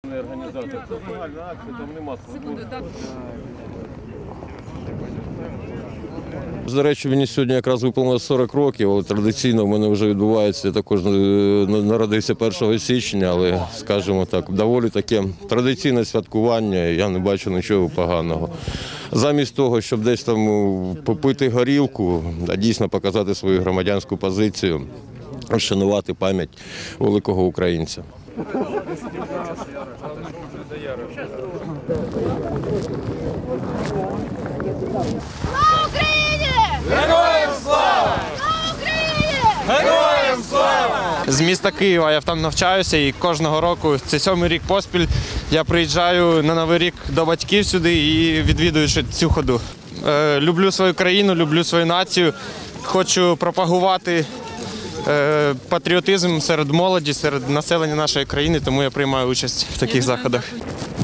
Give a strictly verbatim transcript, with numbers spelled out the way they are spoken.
Організація. Це загальна акція, там нема свободи. До речі, мені сьогодні якраз виповнилось сорок років, але традиційно в мене вже відбувається, я також народився першого січня, але, скажімо так, доволі таке традиційне святкування, я не бачу нічого поганого. Замість того, щоб десь там попити горілку, а дійсно показати свою громадянську позицію, вшанувати пам'ять великого українця. Слава Україні! Героям слава! Слава Україні! Героям слава! З міста Києва я там навчаюся і кожного року, це сьомий рік поспіль, я приїжджаю на Новий рік до батьків сюди і відвідую цю ходу. Е, люблю свою країну, люблю свою націю, хочу пропагувати е, патріотизм серед молоді, серед населення нашої країни, тому я приймаю участь в таких заходах.